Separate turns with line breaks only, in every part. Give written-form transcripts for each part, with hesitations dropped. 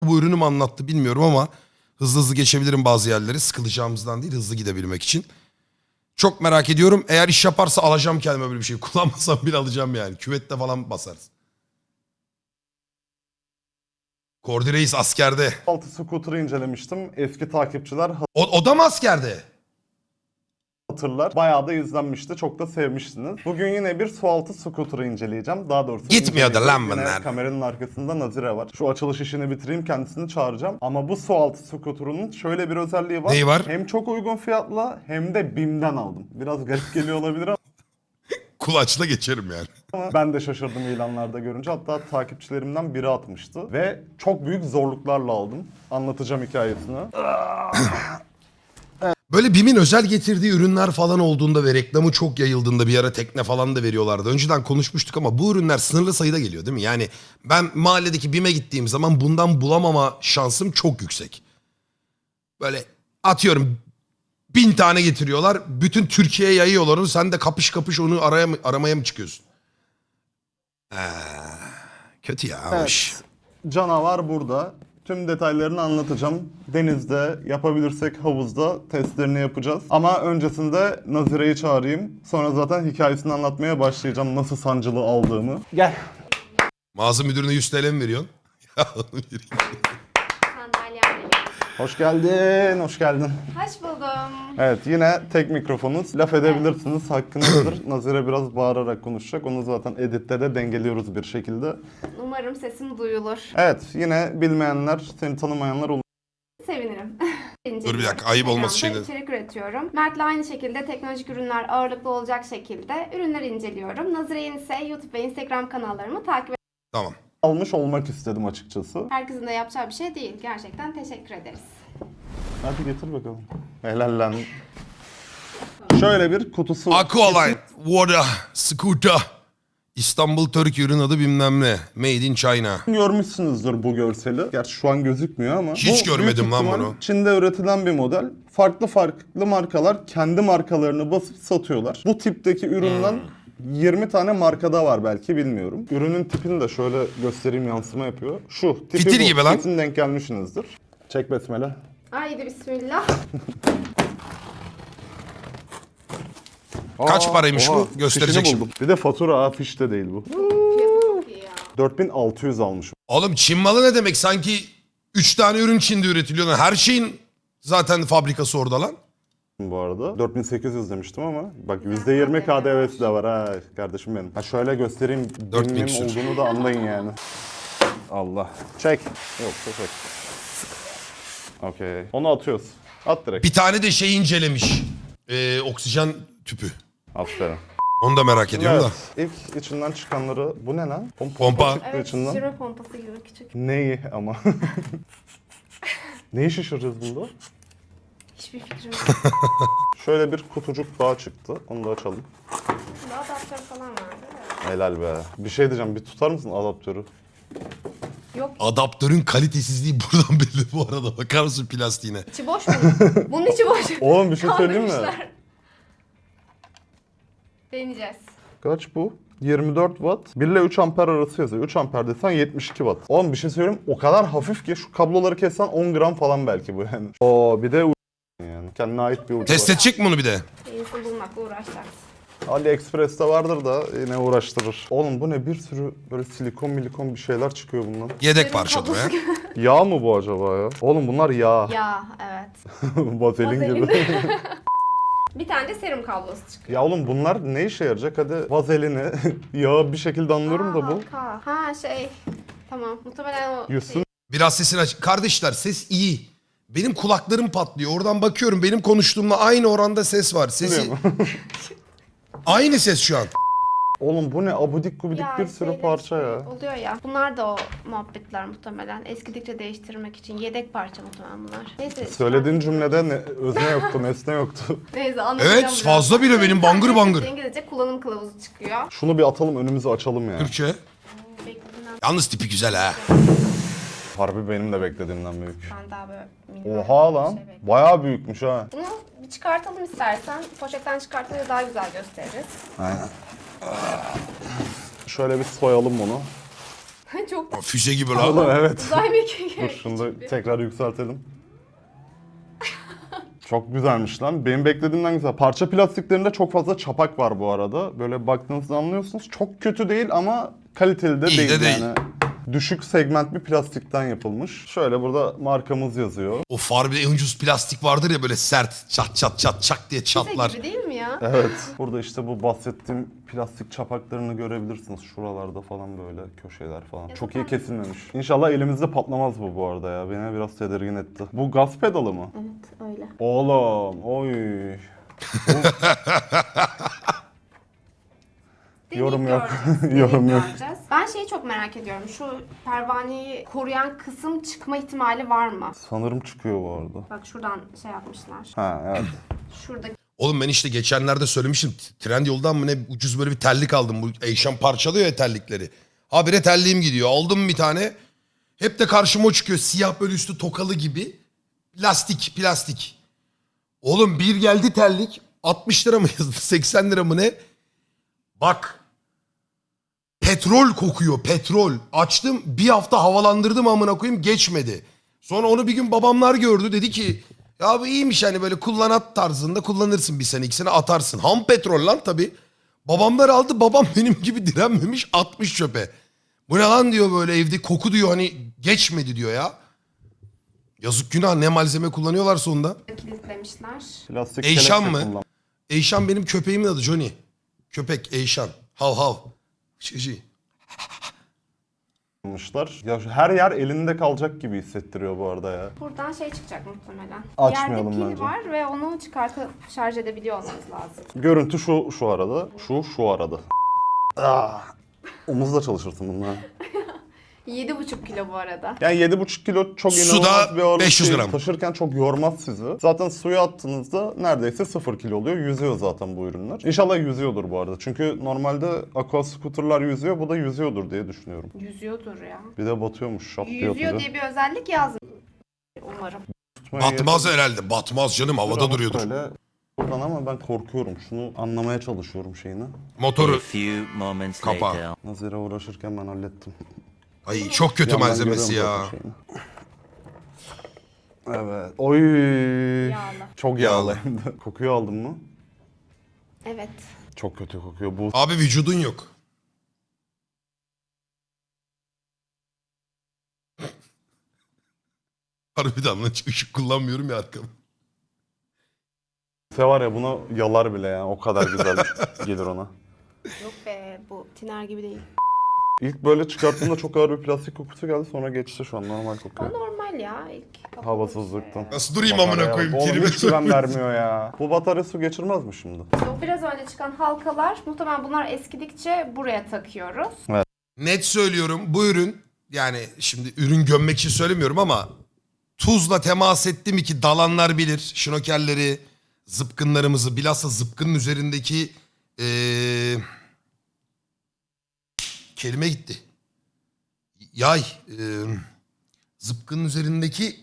Bu ürünü mü anlattı bilmiyorum ama hızlı hızlı geçebilirim bazı yerleri. Sıkılacağımızdan değil, hızlı gidebilmek için. Çok merak ediyorum. Eğer iş yaparsa alacağım kendime böyle bir şey. Kullanmasam bile alacağım yani. Küvette falan basarız. Kordi Reis askerde.
Altı scooter'ı incelemiştim. Eski takipçiler
O da mı askerde?
hatırlar. Bayağı da izlenmişti. Çok da sevmiştiniz. Bugün yine bir sualtı scooter'ı inceleyeceğim. Daha doğrusu
Gitmiyor da lan
yine
bunlar.
kameranın arkasında Nazire var. Şu açılış işini bitireyim, kendisini çağıracağım. Ama bu sualtı scooter'ının şöyle bir özelliği var.
Neyi var?
Hem çok uygun fiyatla hem de BİM'den aldım. Biraz garip geliyor olabilir
Kulaçla geçerim yani.
ama ben de şaşırdım ilanlarda görünce. Hatta takipçilerimden biri atmıştı. Ve çok büyük zorluklarla aldım. Anlatacağım hikayesini.
Böyle BİM'in özel getirdiği ürünler falan olduğunda ve reklamı çok yayıldığında bir ara tekne falan da veriyorlardı. Önceden konuşmuştuk ama bu ürünler sınırlı sayıda geliyor değil mi? Yani ben mahalledeki BİM'e gittiğim zaman bundan bulamama şansım çok yüksek. Böyle atıyorum 1000 tane getiriyorlar. Bütün Türkiye'ye yayıyorlar onu. Sen de kapış kapış onu aramaya mı çıkıyorsun? Kötü ya. Hoş.
Evet, canavar burada. Tüm detaylarını anlatacağım. Denizde, yapabilirsek havuzda testlerini yapacağız. Ama öncesinde Nazire'yi çağırayım. Sonra zaten hikayesini anlatmaya başlayacağım. Nasıl sancılı aldığımı. Gel.
Mağaza müdürüne 100 TL mi veriyorsun? Ya onu vereyim.
Sandalyem geliyor.
Hoş geldin, hoş geldin.
Hoş buldum.
Evet, yine tek mikrofonuz. Laf edebilirsiniz, hakkınızdır. Nazire biraz bağırarak konuşacak. Onu zaten editte de dengeliyoruz bir şekilde.
Umarım sesim duyulur.
Evet, yine bilmeyenler, seni tanımayanlar olur.
Sevinirim.
Dur bir dakika, ayıp olması
Instagram'da
şeyleri.
içerik üretiyorum. Mert'le aynı şekilde teknolojik ürünler ağırlıklı olacak şekilde ürünler inceliyorum. Nazire'nin ise YouTube ve Instagram kanallarımı takip
Tamam.
Almış olmak istedim açıkçası.
Herkesin de yapacağı bir şey değil. Gerçekten teşekkür ederiz.
Hadi getir bakalım. Helal lan. Şöyle bir kutusu.
Aqualine, Water, Scooter. İstanbul Türkiye ürün adı bilmem ne. Made in China.
Görmüşsünüzdür bu görseli. Gerçi şu an gözükmüyor ama.
Hiç
bu
görmedim
büyük
lan
ihtimal
bunu.
Çin'de üretilen bir model. Farklı farklı markalar kendi markalarını basıp satıyorlar. Bu tipteki üründen 20 tane markada var belki, bilmiyorum. Ürünün tipini de şöyle göstereyim, yansıma yapıyor. Şu tipi
Fitil
bu.
gibi lan.
Kesin denk gelmişsinizdir. Çek besmele.
Haydi bismillah.
Kaç paraymış bu? Gösterecek
fişini
şimdi.
buldum. Bir de fatura, fiş de değil bu.
Fiyatı çok iyi ya.
4600 almışım.
Oğlum Çin malı ne demek? Sanki 3 tane ürün Çin'de üretiliyor. Lan her şeyin zaten fabrikası orada lan.
Bu arada 4800 demiştim ama bak
Güzel
%20
KDV var.
KDV'si de var ha kardeşim benim. Ha şöyle göstereyim,
4000
BİM'in
küsür.
olduğunu da anlayın yani. Allah. Çek. Yok, çek. Okey. Onu atıyoruz. At direkt.
Bir tane de şey incelemiş. Oksijen tüpü.
Aferin.
Onu da merak ediyorum da.
İlk içinden çıkanları, bu ne lan?
Pompa.
Çıktı
Evet,
içinden.
şişirme pompası gibi küçük.
Neyi ama? Neyi şişireceğiz bunda?
Hiçbir fikrim yok.
Şöyle bir kutucuk daha çıktı. Onu da açalım.
Burada adaptör falan var değil mi?
Helal be. Bir şey diyeceğim. Bir tutar mısın adaptörü?
Yok.
Adaptörün kalitesizliği buradan belli bu arada. Bakar mısın plastiğine?
İçi boş mu? Bunun içi boş.
Oğlum bir şey söyleyeyim mi?
Kandırmışlar. Deneyeceğiz.
Kaç bu? 24 watt. 1 ile 3 amper arası yazıyor. 3 amper desen 72 watt. Oğlum bir şey söyleyeyim, o kadar hafif ki şu kabloları kessen 10 gram falan belki bu yani. Oo bir de yani kendine ait bir ucu
Test
var.
edecek mi bunu bir de?
Yenisini bulmakla uğraşacağız.
AliExpress'te vardır da yine uğraştırır. Oğlum bu ne, bir sürü böyle silikon bir şeyler çıkıyor bundan.
Yedek
Serum
parça bu ya.
kablosu gibi.
Yağ mı bu acaba ya? Oğlum bunlar yağ.
Ya evet.
Vazelin gibi.
Bir tane de serum kablosu çıkıyor.
Ya oğlum bunlar ne işe yarayacak? Hadi vazelini, yağı bir şekilde anlıyorum da bu.
Halka. Ha şey. Tamam. Muhtemelen o
Yüzsün.
Biraz sesini aç. Kardeşler ses iyi. Benim kulaklarım patlıyor. Oradan bakıyorum. Benim konuştuğumla aynı oranda ses var. Sesi... Aynı ses şu an.
Oğlum bu ne, abudik gubidik
Ya
bir sürü
şeyler
parça
işte
ya.
oluyor ya. Bunlar da o muhabbetler muhtemelen. Eskidikçe değiştirmek için yedek parça muhtemelen bunlar. Neyse.
Söylediğin cümlede özne yoktu, nesne yoktu.
Neyse anlatacağım
Evet,
biraz.
fazla bile benim bangır bangır.
İngilizce kullanım kılavuzu çıkıyor.
Şunu bir atalım, önümüzü açalım ya.
Türkçe.
Beklediğimden
Yalnız tipi güzel ha.
Harbi benim de beklediğimden büyük.
ben daha böyle minimal
Oha
bir
lan,
şey bekliyorum.
bayağı büyükmüş ha.
Bunu bir çıkartalım istersen. Poşetten çıkartınca daha güzel gösteririz.
Aynen. Şöyle bir soyalım bunu.
Çok
Füze gibi
Oğlum
lan.
evet.
uzay mekiği.
Dur şunu da tekrar yükseltelim. Çok güzelmiş lan. Benim beklediğimden güzel. Parça plastiklerinde çok fazla çapak var bu arada. Böyle baktığınızda anlıyorsunuz. Çok kötü değil ama kaliteli de
İyi
değil
de değil.
yani. Düşük segment bir plastikten yapılmış. Şöyle burada markamız yazıyor.
O farbe en ucuz plastik vardır ya böyle sert çat çat çat çak diye
Füze
çatlar.
gibi değil mi ya?
Evet. Burada işte bu bahsettiğim plastik çapaklarını görebilirsiniz. Şuralarda falan böyle köşeler falan.
Ya
Çok iyi
zaten-
kesilmemiş. İnşallah elimizde patlamaz bu arada ya. Beni biraz tedirgin etti. Bu gaz pedalı mı?
Evet öyle.
Oğlum, oy. Yorum yok. Yorum yok.
Göreceğiz. Ben şeyi çok merak ediyorum. Şu pervaneyi koruyan kısım çıkma ihtimali var mı?
Sanırım çıkıyor bu arada.
Bak şuradan şey yapmışlar.
Ha evet.
Şuradaki
Oğlum ben işte geçenlerde söylemiştim. Trendyol'dan mı ne ucuz böyle bir terlik aldım. Bu Eyşan parçalıyor ya terlikleri. Habire terliğim gidiyor. Aldım bir tane. Hep de karşıma o çıkıyor. Siyah böyle üstü tokalı gibi. Plastik. Oğlum bir geldi terlik. 60 lira mı yazdı? 80 lira mı ne? Bak. Petrol kokuyor. Petrol. Açtım. Bir hafta havalandırdım amına koyayım. Geçmedi. Sonra onu bir gün babamlar gördü. Dedi ki ya bu iyiymiş hani böyle kullanat tarzında kullanırsın bir sene 2 sene atarsın. Ham petrol lan tabii. Babamlar aldı. Babam benim gibi direnmemiş atmış çöpe. Bu ne lan diyor böyle evde koku diyor hani geçmedi diyor ya. Yazık günah ne malzeme kullanıyorlarsa onda.
kilitlemişler.
Plastik
Eyşan
kelepçe
mı? Eyşan benim köpeğimin adı Johnny. Köpek Eyşan. Hav hav. Şişi.
kullanmışlar. Ya her yer elinde kalacak gibi hissettiriyor bu arada ya.
Buradan şey çıkacak muhtemelen.
Açmayalım
Yerde pil
bence.
var ve onu çıkartıp şarj edebiliyor olmanız lazım.
Görüntü şu arada. Şu arada. Ah. Omuzla çalışırsın bunlar.
7,5 kilo bu arada.
Yani 7,5 kilo çok
Suda
inanılmaz bir ağırlık
500
değil.
gram.
Taşırken çok yormaz sizi. Zaten suya attığınızda neredeyse 0 kilo oluyor. Yüzüyor zaten bu ürünler. İnşallah yüzüyordur bu arada. Çünkü normalde aqua scooter'lar yüzüyor. Bu da yüzüyordur diye düşünüyorum.
Yüzüyordur ya.
Bir de batıyormuş şap diye
Yüzüyor
atınca.
diye bir özellik yazmıyor. Umarım.
Tutmayı
Batmaz
yeter.
herhalde. Batmaz canım havada
Ama
duruyordur.
Böyle buradan ama ben korkuyorum. Şunu anlamaya çalışıyorum şeyini.
A
Motoru.
few moments
Kapağı.
later.
Nazire uğraşırken ben hallettim.
Ay çok kötü
Yandan
malzemesi
görüyorum
ya.
zaten şeyini. Evet. Oy.
Yağlı.
Çok yağlı hem de. Kokuyu aldın mı?
Evet.
Çok kötü kokuyor. Bu
Abi vücudun yok. Harbiden lan ışık kullanmıyorum ya arkamı.
Efe var ya buna yalar bile yani. O kadar güzel gelir ona.
Yok be bu tiner gibi değil.
İlk böyle çıkarttığımda çok ağır bir plastik kokusu geldi. Sonra geçti şu an normal
O
kokuyor.
normal ya ilk. kapalı
Havasızlıktan.
Nasıl durayım amına
Bataryaya
koyayım?
bak. Oğlum
Tribe
hiç güven
sokmuyor.
vermiyor ya. Bu batarya su geçirmez mi şimdi?
O biraz önce çıkan halkalar muhtemelen bunlar eskidikçe buraya takıyoruz.
Net söylüyorum bu ürün yani şimdi ürün gömmek için söylemiyorum ama tuzla temas etti mi ki dalanlar bilir. Şnokerleri, zıpkınlarımızı bilhassa zıpkının üzerindeki kelime gitti. Yay. Zıpkının üzerindeki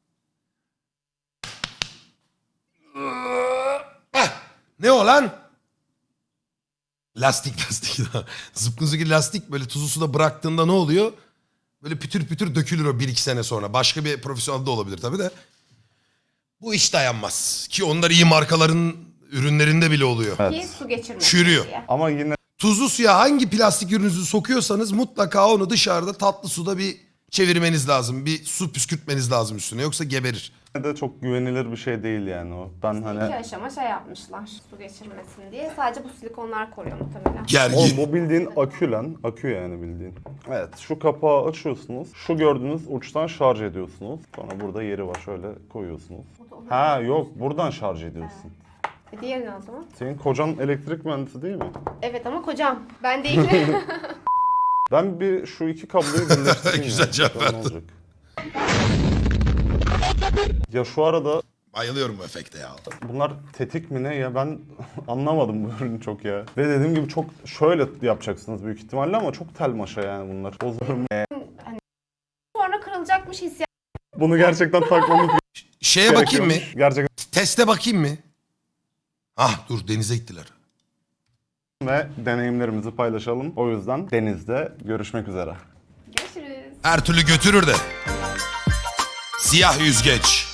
ne o lan? Lastik. Zıpkın üzerindeki lastik böyle tuzlu suda bıraktığında ne oluyor? Böyle pütür pütür dökülür o 1-2 sene sonra. Başka bir profesyonel de olabilir tabii de. Bu hiç dayanmaz. Ki onlar iyi markaların ürünlerinde bile oluyor.
Ki su geçirmesin
Çürüyor.
diye.
Ama yine
Tuzlu suya hangi plastik ürününüzü sokuyorsanız mutlaka onu dışarıda tatlı suda bir çevirmeniz lazım. Bir su püskürtmeniz lazım üstüne yoksa geberir.
de çok güvenilir bir şey değil yani o. Ben
İki
hani...
aşama şey yapmışlar su geçirmesin diye. Sadece bu silikonlar koruyor muhtemelen.
Oğlum
Gergin.
bu bildiğin akü lan. Akü yani bildiğin. Evet şu kapağı açıyorsunuz. Şu gördüğünüz uçtan şarj ediyorsunuz. Sonra burada yeri var şöyle koyuyorsunuz. Ha yok buradan şarj ediyorsun.
Diğeri ne o zaman?
Senin kocan elektrik mühendisi değil mi?
Evet ama kocam. Ben değilim.
Ben bir şu iki kabloyu birleştireyim.
Güzel
ya.
cevap
Bakalım ne
verdin.
olacak. Ya şu arada
Bayılıyorum bu efekte ya.
bunlar tetik mi ne ya ben anlamadım bu ürünü çok ya. Ve dediğim gibi çok şöyle yapacaksınız büyük ihtimalle ama çok tel maşa yani bunlar. Bozurum.
Sonra kırılacakmış hissiyat.
Bunu gerçekten takmamız
Şeye bakayım mı?
gerekiyormuş. Gerçekten.
Teste bakayım mı? Ah dur denize gittiler.
Ve deneyimlerimizi paylaşalım. O yüzden denizde görüşmek üzere.
Görüşürüz.
Her türlü götürür de. Siyah yüzgeç.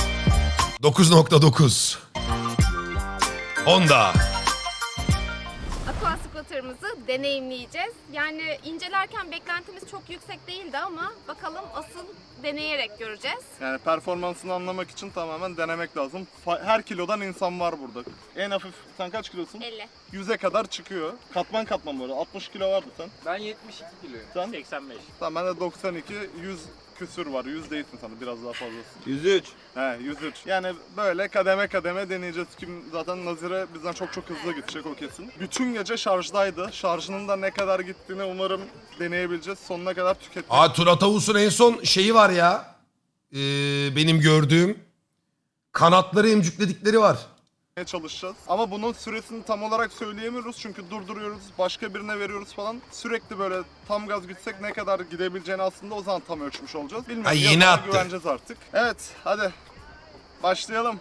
9.9. Honda.
Aqua scooter'ımızı deneyimleyeceğiz. Yani incelerken beklentimiz çok yüksek değildi ama bakalım asıl deneyerek göreceğiz.
Yani performansını anlamak için tamamen denemek lazım. Her kilodan insan var burada. En hafif, sen kaç kilosun?
50.
100'e kadar çıkıyor. Katman katman böyle. 60 kilo vardı sen.
Ben 72 kiloyum.
Sen?
85.
Tamam ben de 92, 100 küsür var. 100 değilsin sana, biraz daha fazlasın.
103.
He 103. Yani böyle kademe kademe deneyeceğiz. Kim zaten Nazire bizden çok hızlı gidecek o kesin. Bütün gece şarjdaydı. Şarjının da ne kadar gittiğini umarım deneyebileceğiz. Sonuna kadar tüketmek.
Aa Turat Avus'un en son şeyi var ya. Benim gördüğüm. Kanatları emcükledikleri var.
Çalışacağız. Ama bunun süresini tam olarak söyleyemiyoruz çünkü durduruyoruz, başka birine veriyoruz falan. Sürekli böyle tam gaz gitsek ne kadar gidebileceğini aslında o zaman tam ölçmüş olacağız. Bilmiyorum.
Ha, yeni
yazına
attı.
güveneceğiz artık. Evet, hadi başlayalım.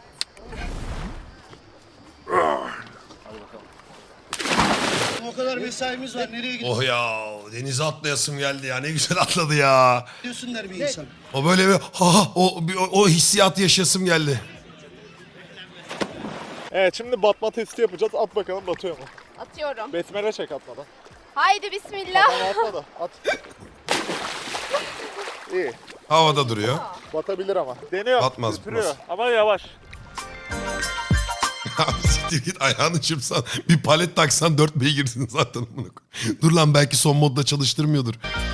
O kadar mesaimiz var. Nereye
Oh ya denize atlayasım geldi ya. Ne güzel atladı ya.
gidiyorsun bir insan?
O böyle bir o hissiyatı yaşasım geldi.
Evet, şimdi batma testi yapacağız. At bakalım batıyor mu?
Atıyorum.
Besmele çek atmadan.
Haydi bismillah.
Atma da at. İyi.
Havada duruyor.
Batabilir ama. Deniyor.
Batmaz,
Götürüyor.
batmaz.
Ama yavaş.
Siktir git ayağını çırpsan bir palet taksan 4 beygirsin zaten. Dur lan belki son modda çalıştırmıyordur.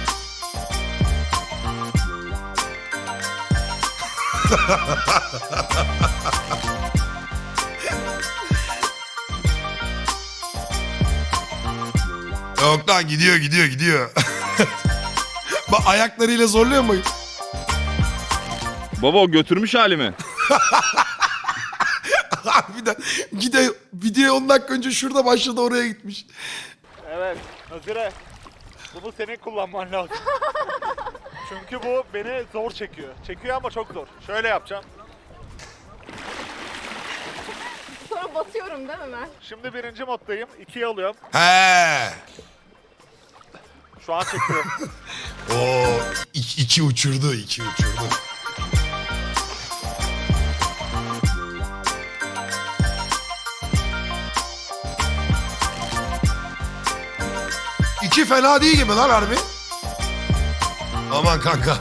Yok lan gidiyor. Bak ayaklarıyla zorluyor mu?
Baba o götürmüş halimi.
Harbiden video 10 dakika önce şurada başladı oraya gitmiş.
Evet, Nazire. Bunu senin kullanman lazım. Çünkü bu beni zor çekiyor. Çekiyor ama çok zor. Şöyle yapacağım.
Sonra batıyorum değil mi ben?
Şimdi birinci moddayım. 2'yi alıyorum.
He.
Şu an çekiyor.
O iki uçurdu. İki fena değil gibi lan harbi. Aman kanka.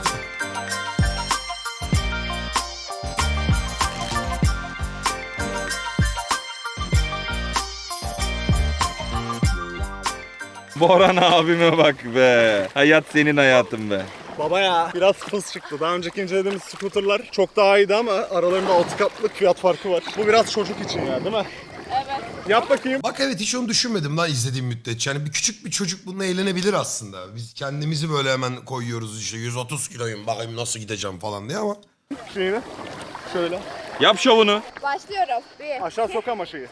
Boran abime bak be. Hayat senin hayatın be.
Baba ya. Biraz hız çıktı. Daha önceki incelediğimiz scooterlar çok daha iyiydi ama aralarında 6 katlık fiyat farkı var. Bu biraz çocuk için ya, değil mi?
Evet.
Yap bakayım.
Bak evet hiç onu düşünmedim lan izlediğim müddetçe. Yani küçük bir çocuk bununla eğlenebilir aslında. Biz kendimizi böyle hemen koyuyoruz işte 130 kiloyum bakayım nasıl gideceğim falan diye ama.
Şeyini. Şöyle.
Yap şovunu.
Başlıyorum. Bir.
Aşağı sok ama şeyi.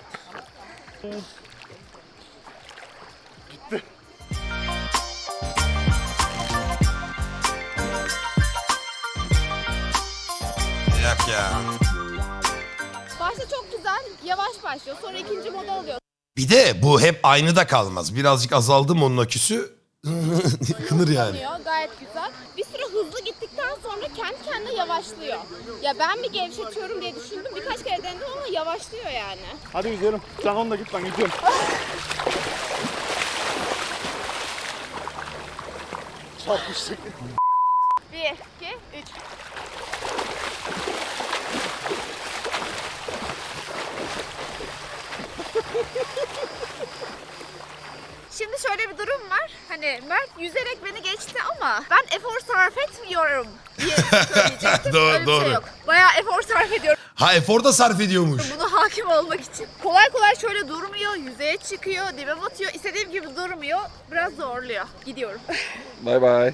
Yak ya.
Başta çok güzel. Yavaş başlıyor. Sonra ikinci moda alıyor.
Bir de bu hep aynı da kalmaz. Birazcık azaldı mı onun aküsü kınır yani.
Dönüyor, gayet güzel. Bir süre hızlı gittikten sonra kendi kendine yavaşlıyor. Ya ben mi gevşetiyorum diye düşündüm. Birkaç kere denedim ama yavaşlıyor yani.
Hadi yüzelim. Sen onunla git, ben gidiyorum. Çarpıştık.
1, 2, 3. Şimdi şöyle bir durum var. Hani Mert yüzerek beni geçti ama ben efor sarf etmiyorum diye söyleyecektim.
Doğru,
Öyle bir
doğru.
şey yok. Bayağı efor sarf ediyorum
Ha efor da sarf ediyormuş.
buna hakim olmak için. Kolay kolay şöyle durmuyor, yüzeye çıkıyor, dibe batıyor. İstediğim gibi durmuyor. Biraz zorluyor. Gidiyorum.
Bay bay.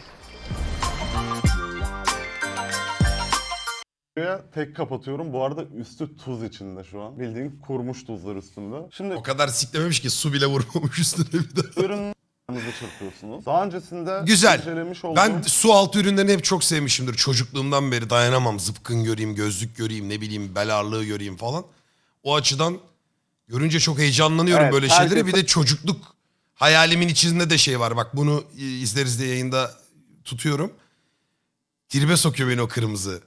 Buraya tek kapatıyorum. Bu arada üstü tuz içinde şu an. Bildiğin kurumuş tuzlar üstünde. Şimdi
O kadar siklememiş ki su bile vurmamış üstüne bir daha.
ürünlerinizi çırpıyorsunuz. Daha öncesinde
Güzel.
incelemiş olduğum...
Ben su altı ürünlerini hep çok sevmişimdir. Çocukluğumdan beri dayanamam. Zıpkın göreyim, gözlük göreyim, ne bileyim bel ağırlığı göreyim falan. O açıdan görünce çok heyecanlanıyorum
Evet,
böyle şeylere.
herkes-
Bir de çocukluk hayalimin içinde de şey var. Bak bunu izleriz de yayında tutuyorum. Tribe sokuyor beni o kırmızı.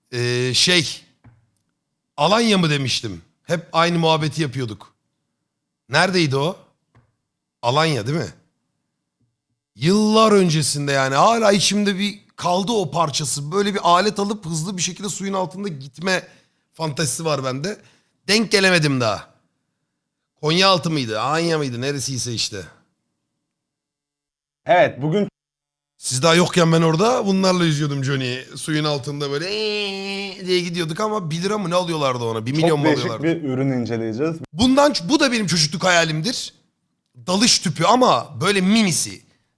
Alanya mı demiştim. Hep aynı muhabbeti yapıyorduk. Neredeydi o? Alanya değil mi? Yıllar öncesinde yani hala içimde bir kaldı o parçası. Böyle bir alet alıp hızlı bir şekilde suyun altında gitme fantezisi var bende. Denk gelemedim daha. Konyaaltı mıydı? Alanya mıydı? Neresiyse işte.
Evet, bugün
Siz daha yokken ben orada bunlarla yüzüyordum Johnny'yi. Suyun altında böyle diye gidiyorduk ama 1 lira mı ne alıyorlardı ona? 1 milyon
çok
mu
değişik
alıyorlardı?
bir ürün inceleyeceğiz.
Bu da benim çocukluk hayalimdir. Dalış tüpü ama böyle minisi.